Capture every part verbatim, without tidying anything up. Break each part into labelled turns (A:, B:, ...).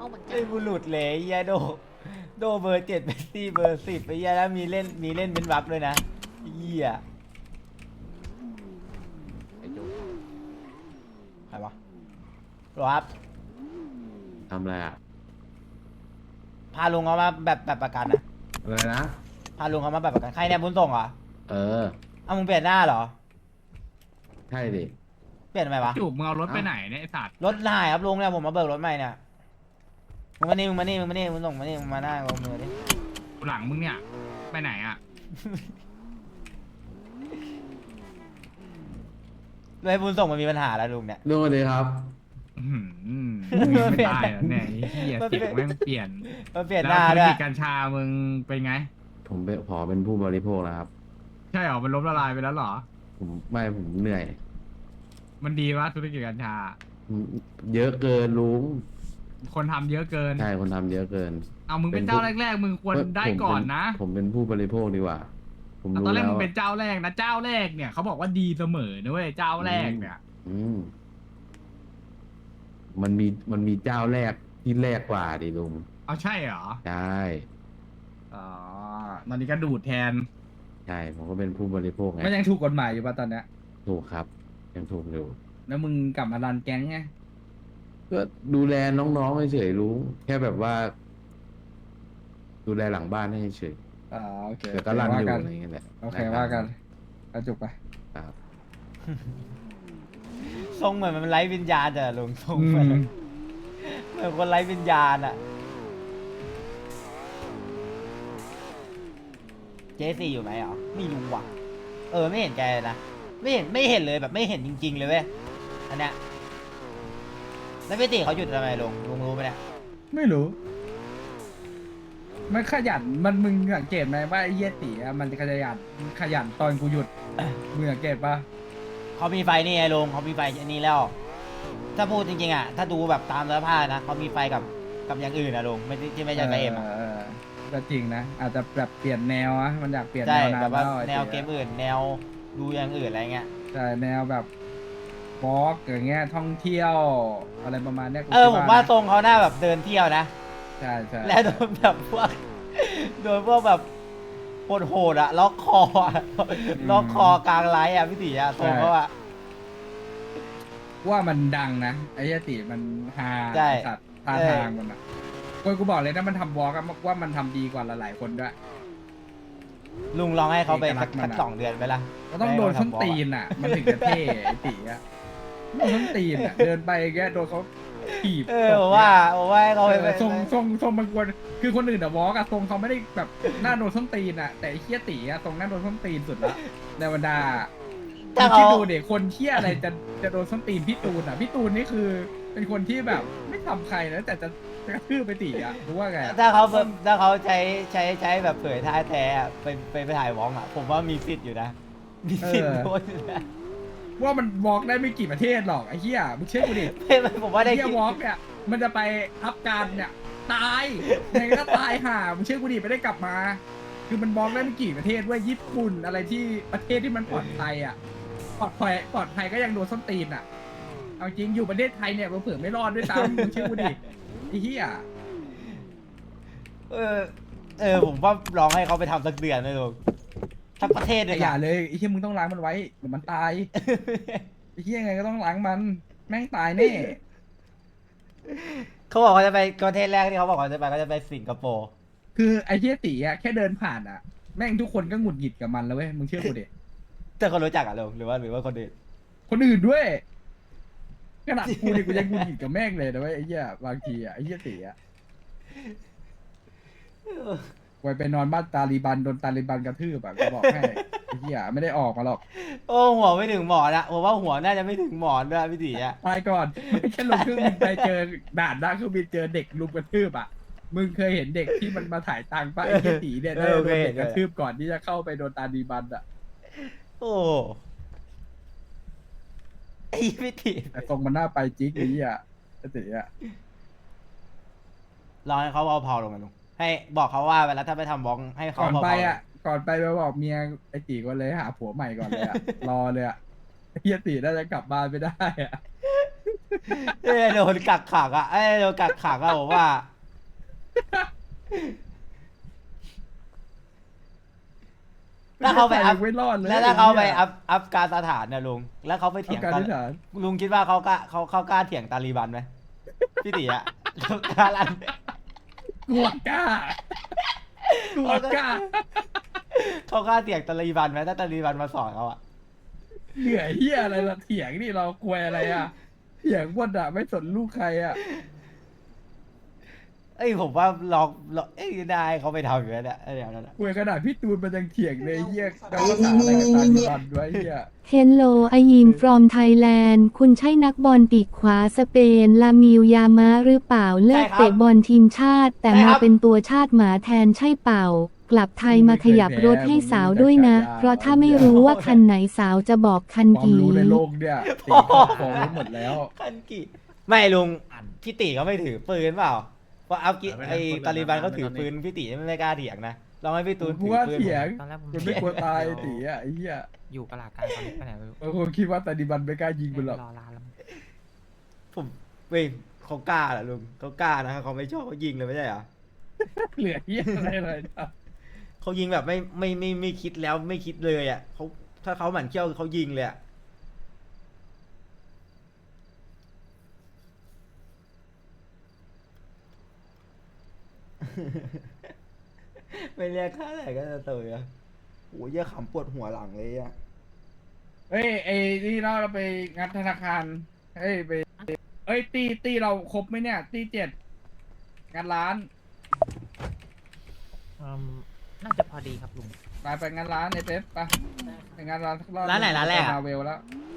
A: เหมือนกั
B: ไอ้
A: น
B: บุรุษเลยไอ้เหี้ยโดโดเบอร์เจ็ดเป็นซี่เบอร์สิบไปเหี้ยแล้วมีเล่นมีเล่นเป็นวับด้วยนะไอ้เหี้ย
C: ไอ้โจ๊ก
B: ใครวะรอครับ
C: ทำอะไรอ่ะ
B: พาลุงเขามาแบบแบบประกันนะ
C: อะไรนะ
B: พาลุงเขามาแบบประกันใครเนี่ยบุญส่งเหรอ
C: เออ
B: เอามึงเปลี่ยนหน้าเหรอ
C: ใช่ดิ
B: เปลี่ยนทำไมวะ
D: จูบมึงเอารถไปไหนเนี่ยไอสัตว์
B: รถหายครับลุงเนี่ยผมมาเบิกรถใหม่เนี่ยมึงมานี่มึงมานี่มึงมานี่มึงส่งมานี่มึงมาหน้ากับมือดิ
D: หลังมึงเนี่ยไปไหนอ่ะ
B: เลยบุญส่งมันมีปัญหาแล้วลุงเนี่ย
C: ลุงสวัสดีครับ
D: อื้อหือมึงไม่ตายเหรอเนี่ยไอ้เหี้ยเสียงแม่งเปลี่ยน
B: มันเปลี่ยนห
D: แล้ว
B: น้า
D: ธุร
B: ด้วย
D: กิจกัญชามึงเป็นไง
C: ผมเป็นขอเป็นผู้บริโภคแล้วครับ
D: ใช่เหรอมันล้มละลายไปแล้วเหรอ
C: ผมไม่ผมเหนื่อย
D: มันดีวะธุรกิจกัญชา
C: เยอะเกินลุง
D: คนทำเยอะเกิน
C: ใช่คนทำเยอะเกิน
D: เอามึงเป็น
C: เป็น
D: เจ้า
C: ผู้
D: แรกๆมึงควรได้
C: ผมเป็
D: ก่อนนะ
C: ผมเป็นผู้บริโภคดีกว่า ผม
D: เอา
C: รู้
D: ตอนแรก
C: แล้ว
D: มึงเป็นเจ้าแรกนะเจ้าแรกเนี่ยเขาบอกว่าดีเสมอนะเว้ยเจ้าแรกเนี่ย
C: อืมมันมีมันมีเจ้าแรกที่แรกกว่าดิลุง
D: เอาใช่เหรอ
C: ใช่
D: อ๋อตอนนี้ก็ดูดแทน
C: ใช่ผมก็เป็นผู้บริโภคไง
E: มันยังถูกกฎหมายอยู่ป่ะตอนเนี้ย
C: ถูกครับ ยังถูกอยู่
E: แล้วมึงกลับมารันแก๊งไง
C: ก็ดูแลน้องๆเฉยๆลุงแค่แบบว่า ดูแลหลังบ้านให้เฉย
E: อ่าโอเค
C: ๆแต่ก็รัน
E: ว่า
C: อยู่
E: กัน
C: อะไรอย่างเงี้ยแหละ
E: โอเคว่ากันกระจุกไป
C: ครับ
B: ทรงเหมือนมันไร้วิญญาณจ้ะลุงทรง
E: อื
B: เหมือน
E: ม
B: เหมือนคนไร้วิญญาณอะเจสี่อยู่ไหมอ๋อไม่รู้ว่ะ เออไม่เห็นแกเลยนะไม่เห็นไม่เห็นเลยแบบไม่เห็นจริง ๆ เลยเว้ยอันเนี้ยแล้วพี่ติเขาหยุดทำไมลุงลุงรู้ไหมเนี่ย
E: ไม่รู้ มันขยันมันมึงสังเกตไหมว่าไอ้เหี้ยตีอะมันจะขยันขยันตอนกูหยุด มึงสังเกตปะ
B: เขามีไฟนี่ไงลุงเขามีไฟอันนี้แล้ว ถ้าพูดจริงๆอ่ะถ้าดูแบบตามเนื้อผ้านะเขามีไฟกับกับอย่างอื่นนะลุงไม่ใช่ที่ไม่ใช่ไฟเอ็มอะ
E: เออก็จริงนะอาจจะแบบเปลี่ยนแนวอะมันอยากเปลี่ยน
B: ใช่
E: แนวนาน
B: แบบว่า
E: แล้วไอ้
B: แนว
E: ตี
B: เกม
E: อะ
B: อื่น แนวดูอย่างอื่นอะไรเงี้ย
E: ใช่แนวแบบวอล์กอย่างเงี้ยท่องเที่ยวอะไรประมาณเนี้ยกู
B: เออ
E: คิด
B: ผมว่า
E: นะ
B: ทรงเขาหน้าแบบเดินเที่ยวนะ
E: ใช่ใช่
B: แล้วโดนแบบพวก โดนพวกแบบโหดๆอะล็อกคออะล็อกคอกลางไลฟ์อะพี่ติอะทรงเขาอะ
E: ว่ามันดังนะไอ้เหี้ยตีมันฮา
B: ใช่
E: สัตว์ท่าทางมันอะคนกูบอกเลยนะมันทำวอล์กอะว่ามันทำดีกว่าหลายๆคนด้วย
B: ลุงลองให้เขาไป
E: เอกลั
B: สั
E: ก
B: ก
E: ษณ์มัน
B: สัก
E: อะ
B: สองเดือนไปละ
E: ก็ต้องโดนส้นตีนอ่ะ มันถึงจะเท่ไอ้ตีอ่ะโดนส้นตีนอ่ะ เดินไปแกโดนเขาถีบ
B: เออผมว่าผมว่าให้เขา
E: เอ
B: ไป
E: อทรงทรงทรงมันควรคือคนอื่นอะวอล์กอะทรงเขาไม่ได้แบบหน้าโดนส้นตีนอ่ะ แต่ไอ้เคี้ยตีอ่ะทรงหน้าโดนส้นตีนสุดละในบรรดา
B: ถ้า
E: คิด
B: เขา
E: ดูเด็กคนเคี้ยอะไรจะจะโดนส้นตีนพี่ตูนอ่ะพี่ตูนนี่คือ เป็นคนที่แบบไม่ทำใครนะแต่จะจะกระทืบไปตีอ่ะรู้ว่าไงอะ
B: ถ้าเขาแบบถ้าเขาใช้ใช้ใช้แบบเผยท่าแท้อะไปไปไปถ่ายวองอะผมว่ามีสิทธิ์อยู่นะ มีสิทธิ์โดนอยู่นะ
E: ว่ามันวอล์กได้ไม่กี่ประเทศหรอกไอ้เหี้ยมึงเชื่อกูดิ
B: ไม่ไม่ผมว่าได้
E: ไอ้เฮี
B: คิ
E: ย
B: ด
E: วอล์กเนี่ยมันจะไปอัพการเนี่ยตายยังไงก็ตายห่ามึงเชื่อกูดิไม่ได้กลับมา คือมันบล็อกได้ไม่กี่ประเทศเว้ยญี่ปุ่นอะไรที่ประเทศที่มันปลอดภัยอ่ะปลอดภัยปลอดภัยก็ยังโดนส้นตีนอ่ะเอาจริงอยู่ประเทศไทยเนี่ยเผื่อๆไม่รอดด้วยซ้ำมึงเชื่อกูดิไอ้เฮีย
B: เออเออผมว่าลองให้เขาไปทำสักเดือนเลยลุงสักประเทศเลย
E: อย่า
B: นะ
E: เลยไอ้เฮียมึงต้องล้างมันไว้เดี๋ยวมันตายไอ้เฮียยังไงก็ต้องล้างมันแม่งตายแน่
B: เขาบอกเขาจะไปประเทศแรกที่เขาบอกเขาจะไปก็จะไปสิงคโปร์
E: คือไอ้เฮียตีอ่ะแค่เดินผ่านอ่ะแม่งทุกคนก็หงุดหงิดกับมันแล้วเว้ยมึงเชื่อกูดิ
B: แต่คนรู้จักอะลุงหรือว่าหรือว่าคนอื่น
E: คนอื่นด้วยขนาดกูเนี่ยกูยังกูหงิดกับแม่งเลยนะเว้ยไอ้เหี้ยบางทีอ่ะไอ้เหี้ยตีอ่ะไว้ไปนอนบ้านตาลีบันโดนตาลีบันกระทืบอ่ะกูบอกให้ไอ้เหี้ยไม่ได้ออกมาหรอก
B: โอ้หัวไม่ถึงหมอนอะผมว่าหัวน่าจะไม่ถึงหมอนด้วยพี่ตีอะ
E: ตายก่อนไม่แค่ลงเครื่องบินไปเจอด่านหน้าเครื่องบินเจอเด็กลุมกระทืบอ่ะมึงเคยเห็นเด็กที่มันมาถ่ายตังค์ป่ะไอ้เหี้ยตีเนี่ยได้โดนเด็กกระทืบก่อนที่จะเข้าไปโดนตาลีบันอ่ะ
B: โอ้ไอ้พี่ตี
E: แต่ตรงมันหน้าไปจิ๊กไอ้เหี้ยไอ้ตีอ่ะ
B: ลองให้เขาเผาๆลงมาลุงให้บอกเขาว่าเวลาถ้าไปทำบล็อกให้เขา
E: ก่อน
B: เผาๆ
E: ไปอ่ะ ก่อนไปไปบอกเมียไอ้ตีก่อนเลยหาผัวใหม่ก่อนเลยอ่ะ รอเลยอ่ะไอ้เฮียตีน่าจะกลับบ้านไม่ได้อ่ะ
B: เอ้ยโดนกักขังอ่ะเอ้ยโดนกักขังอ่ะผมว่า ถ้าเขาไปอัพ
E: ไม่รอดเลย
B: แล้วถ้าเขาไปอัพอัพการสถานเนี่ยลุงแล้วเขาไปเถียง
E: การ
B: ตา
E: ที่ฐาน
B: ลุงคิดว่าเขากล้าเขาเขากล้าเถียงตาลีบันไหมพี่ตีอะกล้าลัน
E: กลัวกล้ากลัวกล้า
B: เขากล้าเถียงตาลีบันไหมถ้าตาลีบันมาสอนเขาอะ
E: เหนื่อยเฮียอะไรล่ะเถียงนี่เรากลัวอะไรอ่ะเถียงหมดอ่ะไม่สนลูกใครอ่ะ
B: เอ้ยผมว่าลองลองเอ้ยได้เขาไปทำอยู่แล้วเนี่ยเดี๋ยวนั้นอะ
E: กลัวขนาดพี่ตูนมันยังเถียงเลยเฮียเดาภาษาอะไรกับตาลีบันไว้เฮีย
A: เฮลโลไอยิม from Thailand คุณใช่นักบอลปีกขวาสเปน ลามิลยามะหรือเปล่า เลิกเตะบอลทีมชาติ แต่มาเป็นตัวชาติหมาแทนใช่เปล่า กลับไทยมาขยับรถให้สาวด้วยนะ เพราะถ้าไม่รู้ว่าคันไหนสาวจะบอกคัน
E: ความ
A: กี่
E: รู้ในโลกเนี่ยตีความรู้หมดแล้ว
B: คันกี่ไม่ลุงพี่ตีเขาไม่ถือปืนเปล่าเพราะอัพกิไอตาลีบันเขาถือปืนพี่ตีไม่กล้าเถียงนะลองให้พี่ตูน
E: กู
B: ถือ
E: ว่า
B: ปืน
E: เถียง
F: ตอนแรกผม
E: มันไม่กลัวตายตีอ่ะไอ้เหี้ย
F: อยู่ตลาดกลางตอนนี้ไปไหนไม่รู้
E: บางคนคิดว่าตาลีบันไม่กล้ายิงมันหรอก
F: รอร้านแล้ว
B: ผมเว้ยเขากล้าเหรอลุงเขากล้านะเขาไม่ชอบเขายิงเลยไม่ใช่เหรอ
E: เหลือเหี้ยอะไรเลยนะ
B: เขายิงแบบไม่ไม่ไม่ไม่คิดแล้วไม่คิดเลยอ่ะเขาถ้าเขาหมั่นเขี้ยวเขายิงเลยอ่ะ ไม่เรียกค่าไหนก็จะเตยอ่ะโอ้ยเยี่ยขำปวดหัวหลังเลยอ่ะ
E: เฮ้ยไอ้นี่เราเราไปงัดธนาคารเฮ้ยไปเอ้ยตีตีเราครบไหมเนี่ย ตีเจ็ดงานร้าน
F: อืมน่าจะพอดีครับลุง
E: ไปไปงานร้านไอ้เป๊ปไปไปงานร้านสักอบ
B: ร้านไหนร้านแรกอะ
E: มาเวลแล้ว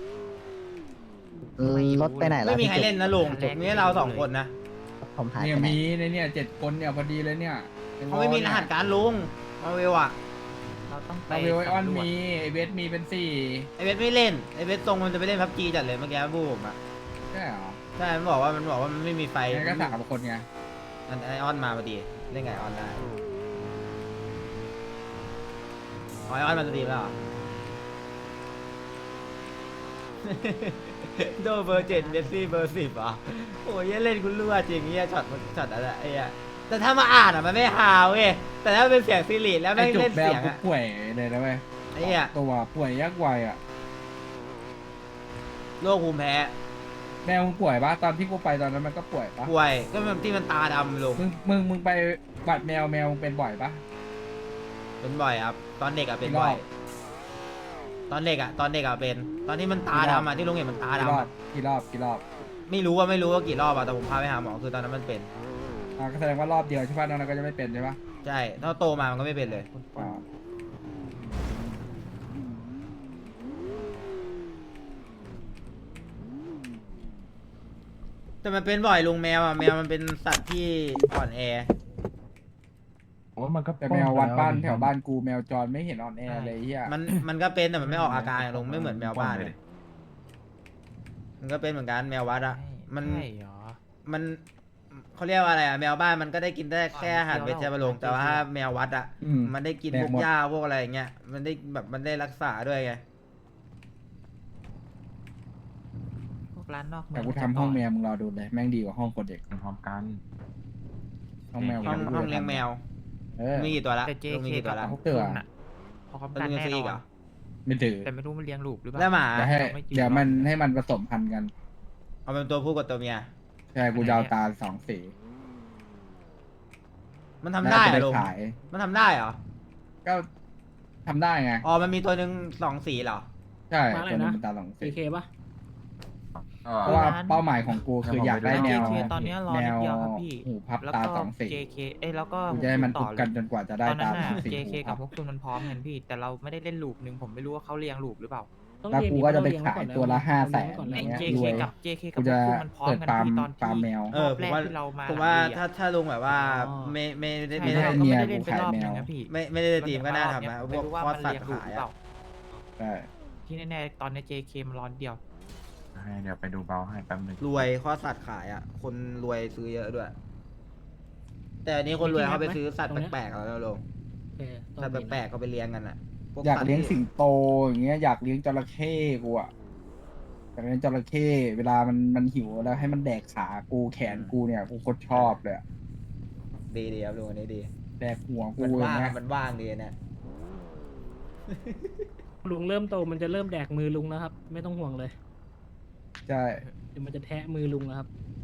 G: รถไปไหนแล้ว
B: ไม่มี
G: พี่
B: ใครเล่นนะลุงมีแค่เราสองคนนะ
G: ผมหาย
E: เนี่ย
G: ไปไหน
E: มีในเนี่ยเจ็ดคนเนี่ยพอดีเลยเนี่ย
B: เขาไม่มีรหัสการลุงมาเวลอ่ะ
F: เราต้องไป
E: มาเวลไอออน
F: สำรวจ
E: มีไอเวสมีเป็นสี่
B: ไอเวทไม่เล่นไอเวทตรงมันจะไปเล่นพับจีจัดเลยเมื่อกี้บูมอ่ะ
E: ใช่เหรอ
B: ใช่มันบอกว่ามันบอกว่ามันไม่มีไฟ
E: งั้นก็สามคนไง
B: อันไอออนมาพอดีเล่นไงไอออนได้อ๋อไอออนมาสตรีมแล้วเหรอ โดเบอร์เจ็ดเดซี่เบอร์สิบอ่ะโอ้ยเล่นคุณรั่วจริงเงี้ยช็อตมันช็อตอะไรไอ้เงี้ยแต่ถ้ามาอ่านอ่ะมันไม่ฮาวเว้ยแต่ถ้าเป็นเสียงซีรีส์แล้ว
E: ไอ
B: ไม่ง
E: จุก
B: เล่น
E: แบ
B: เสี
E: บ
B: ยง
E: กู
B: อ่ะ
E: ป่วยเลยนะเว้ย
B: ไอ้เงี้ย
E: ตัวป่วยยักษ์วัยอ่ะ
B: โรคภูมิแพ้
E: แมวมึงป่วยปะตอนที่กูไปตอนนั้นมันก็ป่วยปะ
B: ป่วยก็มันที่มันตาดำลง
E: มึงมึงมึงไปบัดแมวแมวมึงเป็นบ่อยปะ
B: เป็นบ่อยครับ ตอนเด็กอ่ะเป็น
E: กี่รอบ
B: บ่อย ตอนเด็กอ่ะตอนเด็กอ่ะเป็น ตอนที่มันตา
E: กี่รอบ
B: ดำอ่ะที่ลุงเห็นมันตา
E: กี่ร
B: ดำ
E: อบ
B: อะ
E: กี่รอบกี่รอบ
B: ไม่รู้ว่าไม่รู้ว่ากี่รอบอ่ะแต่ผมพาไปหาหมอคือตอนนั้นมันเป็น
E: อ่าก็แสดงว่ารอบเดียวใช่ปะนอกนั้นก็จะไม่เป็นใช่ปะ
B: ใช่ถ้าโตมามันก็ไม่เป็นเลย
E: อ่า
B: แต่มันเป็นบ่อยลุงแมวอ่ะแมวมันเป็นสัตว์ที่อ่อนแอ
C: ผมว่ามันก็
E: แต่แมววัดบ้าน
C: ป้องกั
E: แถวบ้านกูแมวจรไม่เห็นอ่อนแอเลยเฮีย
B: มันมันก็เป็นแต่มันไม่ออกอาการอะลุงไม่เหมือนแมวบ้านเลยมันก็เป็นเหมือนกันแมววัดอ่ะมัน
F: ใช่เหรอ
B: มันเขาเรียกว่าอะไรอ่ะแมวบ้านมันก็ได้กินได้แค่อาหารเวชบำรุงแต่ว่าแมววัดอ่ะ
E: อืม
B: มันได้กิน
E: แด
B: พ
E: ก
B: วก
E: หมด
B: หญ้าพวกอะไรอย่างเงี้ยมันได้แบบมันได้รักษาด้วยไง
F: พวกร้านนอกเมื
E: แต่
F: อง
E: กูทำห้องแมวมึงรอดูเลยแม่งดีกว่าห้องคนเด็ก
C: พร้อมกัน
E: ห้องแมว
B: ห้อง
E: กู
B: ห้องเลี้ยงแมว
E: เออ
B: มีกี่ตัวละ
F: แต่
B: ลุงมี
F: เจ
B: กี่ตัวละ
F: กับ
E: เตือน
F: คุณน่ะพอเขา
B: แล้ว
F: กัน
B: ลุง
F: แน่
B: ซื้ออีก
F: น
B: เหร
F: อ
B: อน
E: ไม่ถือ
F: แต่ไม่รู้มันเลี้ยงลูกหรือเปล่า
B: แล้วหมา
E: เดี๋ยวให้
F: ไม่จริง
E: เดี๋ยวมันให้มันผสมพันธุ์กัน
B: เอาเป็นตัวผู้กับตัวเมีย
E: ใช่กูจะเอาตาสองสี
B: มันทำได้เหร
E: แล้ว
B: อ
E: จะ
B: ลุง
E: ขาย
B: มันทำได้เหรอ
E: ก็ทำได้ไง
B: อ๋อมันมีตัวหนึ่งสองสีเหรอ
E: ใช่
H: มาอะไร
E: ตัวนึง
H: นะ
E: เป็นตาสองสี
H: เคเคป่ะ
E: เพราะว่าเป้าหมายของกูคืออยากได้แมว
F: JK ตอนเนี้ยรอ
E: แม
F: นิด
E: ว
F: เดียวครับพี่
E: หูพับ
F: แล้ว
E: ตา
F: ก็
E: สองสี
F: เจ เค เอ้ยแล้วก็
E: กูจะให้มัน
F: ต่
E: ทุ
F: อบ เลย
E: กันจนกว่าจะได้
F: ตอนนั้
E: ตาน สอ
F: น่ะ
E: งสี
F: เจ เค
E: หู
F: กั
E: พั
F: บบ พวกคุณมันพร้อมกันพี่ แต่เราไม่ได้เล่นลูปหนึ่งผมไม่รู้ว่าเขาเรียงลูปหรือเปล่า
H: ต้อง
E: แล้ว
H: เรียน
E: กู
H: อี
E: ก็จะไป
H: เรียน
E: ขาย
H: ก่อนนะ
E: ตัวละห้าแสน
H: ก่อน
E: อ
H: นะ
E: ย่างเงี้ย
F: เจ
E: ร
F: เค
E: วย
F: กับ เจ เค กั
E: กู
F: บพว
E: จะ
F: กคุณมันพร้อม
E: เปิด
F: กัน
E: ฟาร์ม
F: พี่ตอน
E: ฟาร์มแม
F: ที่
E: ว
B: เออ
F: ร
B: ผ
F: อบ
B: มว่า
F: แรกที่เรามา
B: ผมว่า
F: หลัง
B: ถ้าถ้าลุงแบบว่า
H: อ๋อ
B: ไม่ไม่ได้
F: ใช่
B: ไม่
F: แล้ว
B: ได้
F: เราก็ไม่ได้เล่นไปรอบนึงนะพี่
B: ไม่ไม่ได้ทีมก็น่าทำนะพ
F: ไม่
B: วก
F: รู้ว่า
B: ข้อ
F: มัน
B: สัต
F: เรียง
B: ว์
F: ลูป
B: ขาย
F: หรือเป
B: อะ
F: ล่า
E: ใช่
F: ที่แน่ๆตอนนี้ เจ เค มันร้อนเดียว
C: ให้เดี๋ยวไปดูเบาให้แป๊บหนึง
B: รวยข้อสัตว์ขายอ่ะ คนรวยซื้อเยอะด้วย แต่อันนี้คนรวยเขาไปซื้อสัตว์แปลกๆแล้วนะลุง
H: โอเคต้
B: สัตว์
H: องมี
B: แปลกๆเขาไปเลี้ยงกันอ่ะพว
E: อยาก
B: สัตว์
E: เลี้ยง
B: ที่
E: สิงโตอย่างเงี้ยอยากเลี้ยงจระเข้กูอะไปแต่เป็นจระเข้เวลามันมันหิวแล้วให้มันแดกขากูแขนกูเนี่ยกูโคตรชอบเลยอะ
B: ดีดีครับลุงอันนี้ดี
E: แดกหัวกู
B: มัน
E: อย่า
B: ว่าง
E: งเงี้ย
B: มันว่างดีเนี่ย
G: ลุงเริ่มโตมันจะเริ่มแดกมือลุงแล้วครับ ไม่ต้องห่วงเลย
E: ใช่
G: เดี๋ยวมันจะแทะมือลุงแล้วครับ